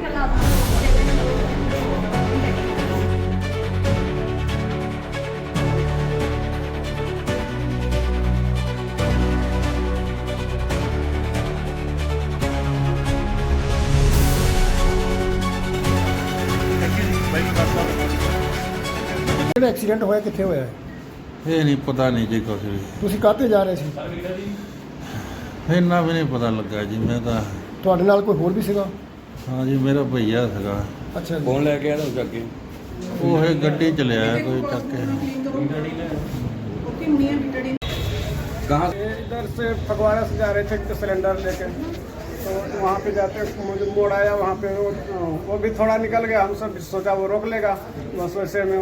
ਜਿਹੜਾ ਐਕਸੀਡੈਂਟ ਹੋਇਆ ਕਿੱਥੇ ਹੋਇਆ ਹੈ? ਇਹ ਨਹੀਂ ਪਤਾ ਨਹੀਂ ਜੀ ਕੁਛ ਵੀ ਤੁਸੀਂ ਕਾਹਤੇ ਜਾ ਰਹੇ ਸੀ? ਇੰਨਾ ਵੀ ਨਹੀਂ ਪਤਾ ਲੱਗਾ ਜੀ। ਮੈਂ ਤਾਂ ਤੁਹਾਡੇ ਨਾਲ ਕੋਈ ਹੋਰ ਵੀ ਸੀਗਾ? ਹਾਂ ਜੀ, ਮੇਰਾ ਭਈਆ ਸੀਗਾ। ਅੱਛਾ ਜੀ। कौन लेके आया था उसके आगे? ਉਹ ਇਹ ਗੱਡੀ ਚ ਲਿਆ ਕੋਈ ਚੱਕ के। कहाँ इधर से फगवाड़ा से जा रहे थे सिलेंडर लेके, तो वहाँ पे जाते मुझे मोड़ आया, वहाँ पे वो भी थोड़ा निकल गया। हम सब सोचा वो रोक लेगा, बस वैसे में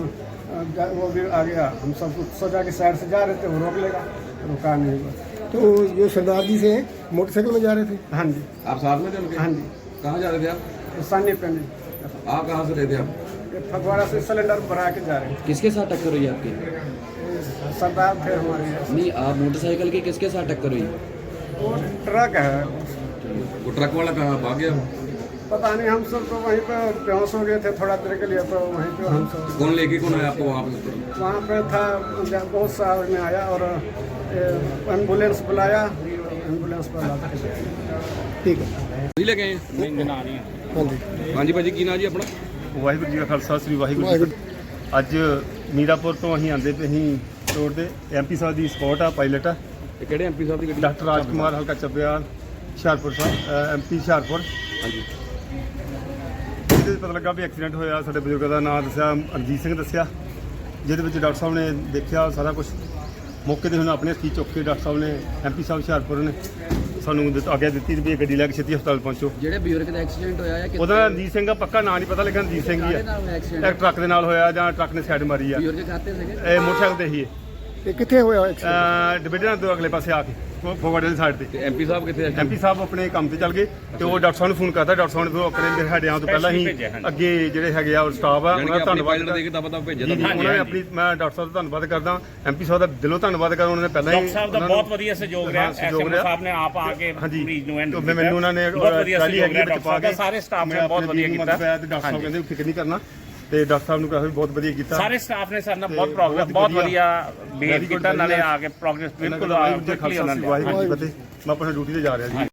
वो भी आ गया। हम सब सोचा कि साइड से जा रहे थे, वो रोक लेगा, रुका नहीं बस। तो ये सरदार जी से मोटरसाइकिल में जा रहे थे? हाँ जी। आप साथ में थे उनके? हाँ जी। कहाँ जा रहे थे आप? सानी पे नहीं, आप कहाँ से रहे थे आप? फगवाड़ा से सिलेंडर भरा के जा रहे किसके साथ टक्कर हुई आपकी? हैं। सरदार थे हमारे यहाँ। नहीं, आप मोटरसाइकिल की किसके साथ टक्कर हुई? वो ट्रक है, वो ट्रक वाला कहाँ भाग गया? पता नहीं। हम सब तो वहीं पे बेहोश हो गए थे थोड़ा देर के लिए, तो वहीं पे हम सब कौन लेके कौन आया आपको वहाँ पे? वहाँ पे था, बहुत सा में आया और एम्बुलेंस बुलाया, एम्बुलेंस पर ला के। ठीक है। नहीं लगे हैं? हाँ जी। हाँ जी भाजी, की ना जी अपना? ਵਾਹਿਗੁਰੂ ਜੀ ਕਾ ਖਾਲਸਾ ਸ੍ਰੀ ਵਾਹਿਗੁਰੂ ਜੀ ਕੀ ਫਤਿਹ। ਅੱਜ ਮੀਰਾਪੁਰ ਤੋਂ ਅਸੀਂ ਆਂਦੇ ਪਏ ਅਸੀਂ ਰੋਡ ਤੇ ਐਮਪੀ ਸਾਹਿਬ ਦੀ ਸਪੋਰਟ ਆ, ਪਾਇਲਟ ਆ ये केड़े एमपी साहब की गड्डी? ਡਾਕਟਰ ਰਾਜ ਕੁਮਾਰ ਹਲਕਾ ਚੱਬਿਆਲ ਹੁਸ਼ਿਆਰਪੁਰ ਸਾਹਿਬ, ਐਮਪੀ ਹੁਸ਼ਿਆਰਪੁਰ। हाँ जी। ਜਿਹਦੇ 'ਚ ਪਤਾ ਲੱਗਾ ਵੀ ਐਕਸੀਡੈਂਟ ਹੋਇਆ। ਸਾਡੇ ਬਜ਼ੁਰਗ ਦਾ ਨਾਮ ਦੱਸਿਆ, ਅਰਜੀਤ ਸਿੰਘ ਦੱਸਿਆ, ਜਿਹਦੇ ਵਿੱਚ ਡਾਕਟਰ ਸਾਹਿਬ ਨੇ ਦੇਖਿਆ ਸਾਰਾ ਕੁਝ ਮੌਕੇ ਤੇ। ਹੁਣ ਆਪਣੇ ਹੱਥੀਂ ਚੁੱਕ ਕੇ ਡਾਕਟਰ ਸਾਹਿਬ ਨੇ, ਐਮਪੀ ਸਾਹਿਬ ਹੁਸ਼ਿਆਰਪੁਰ ਨੇ ਸਾਨੂੰ ਆਗਿਆ ਦਿੱਤੀ ਵੀ ਇਹ ਗੱਡੀ ਲੈ ਕੇ ਛੇਤੀ ਹਸਪਤਾਲ ਪਹੁੰਚੋ। ਜਿਹੜੇ ਬਜ਼ੁਰਗ ਦਾ ਐਕਸੀਡੈਂਟ ਹੋਇਆ ਹੈ ਉਹਦਾ ਨਾਮ ਰਣਜੀਤ ਸਿੰਘ ਆ, ਪੱਕਾ ਨਾਂ ਨਹੀਂ ਪਤਾ, ਲੇਕਿਨ ਰਣਜੀਤ ਸਿੰਘ ਹੀ ਨਾਲ ਹੋਇਆ ਆ। ਐਕਸੀਡੈਂਟ? ਇੱਕ ਟਰੱਕ ਦੇ ਨਾਲ ਹੋਇਆ ਜਾਂ ਟਰੱਕ ਨੇ ਸਾਈਡ ਮਾਰੀ ਆ। ਬਜ਼ੁਰਗ ਖਾਤੇ ਸੀਗੇ? ਇਹ ਮੋਟਰਸਾਈਕਲ ਤੇ ਹੀ ये कितने हुआ एक्सीडेंट? ਡਿਬੇਟਾਂ ਤੋਂ ਅਗਲੇ ਪਾਸੇ ਆ ਕੇ ਫੋਗੜ ਵਾਲੀ ਸਾਈਡ ਤੇ। एमपी साहब कितने? ਐਮਪੀ ਸਾਹਿਬ ਆਪਣੇ ਕੰਮ ਤੇ ਚੱਲ ਗਏ ਤੇ ਉਹ ਡਾਕਟਰ ਸਾਹਿਬ ਨੂੰ ਫੋਨ ਕਰਤਾ। ਡਾਕਟਰ ਸਾਹਿਬ ਨੇ ਫਿਰ ਆਪਣੇ ਹੱਡਿਆਂ ਤੋਂ ਪਹਿਲਾਂ ਹੀ ਅੱਗੇ ਜਿਹੜੇ ਹੈਗੇ ਆ ਸਟਾਫ ਆ ਉਹਨਾਂ ਦਾ ਧੰਨਵਾਦ ਦੇ ਕੇ ਤਾਂ ਭੇਜਿਆ ਜੀ, ਉਹਨਾਂ ਨੇ ਆਪਣੀ, ਮੈਂ ਡਾਕਟਰ ਸਾਹਿਬ ਦਾ ਧੰਨਵਾਦ ਕਰਦਾ, ਐਮਪੀ ਸਾਹਿਬ ਦਾ ਦਿਲੋਂ ਧੰਨਵਾਦ ਕਰਦਾ। ਉਹਨਾਂ ਨੇ ਪਹਿਲਾਂ ਹੀ ਡਾਕਟਰ ਸਾਹਿਬ ਦਾ ਬਹੁਤ ਵਧੀਆ ਸਹਿਯੋਗ ਰਿਹਾ। ਐਸਐਮ ਸਾਹਿਬ ਨੇ ਆਪ ਆ ਕੇ ਹਾਂਜੀ, ਮਰੀਜ਼ ਨੂੰ ਐਂਡ ਮੈਨੂੰ ਉਹਨਾਂ ਨੇ ਬਹੁਤ ਵਧੀਆ ਟਰਾਲੀ ਸਹਿਯੋਗ ਹੈਗੀ ਰਿਹਾ। ਵਿੱਚ ਪਾ ਕੇ ਸਾਰੇ ਸਟਾਫ ਨੇ ਬਹੁਤ ਵਧੀਆ ਕੀਤਾ। ਤੇ ਡਾਕਟਰ ਸਾਹਿਬ ਕਹਿੰਦੇ ਫਿਕਰ ਨਹੀਂ ਕਰਨਾ, ਤੇ ਡਾਕਟਰ ਸਾਹਿਬ ਨੂੰ ਕਿਹਾ ਵੀ ਬਹੁਤ ਵਧੀਆ ਕੀਤਾ। ਸਾਰੇ ਸਟਾਫ ਨੇ ਸਾਡੇ ਨਾਲ ਬਹੁਤ ਪ੍ਰੋਗਰੈਸ, ਬਹੁਤ ਵਧੀਆ ਬਿਹੇਵ ਕੀਤਾ। ਨਾਲੇ ਆ ਕੇ ਪ੍ਰੋਗਰੈਸ ਬਿਲਕੁਲ ਵਾਹਿਗੁਰੂ ਜੀ ਕਾ ਖਾਲਸਾ, ਵਾਹਿਗੁਰੂ ਜੀ ਕੀ ਫਤਿਹ। ਮੈਂ ਆਪਣੀ ਡਿਊਟੀ ਤੇ ਜਾ ਰਿਹਾ ਜੀ।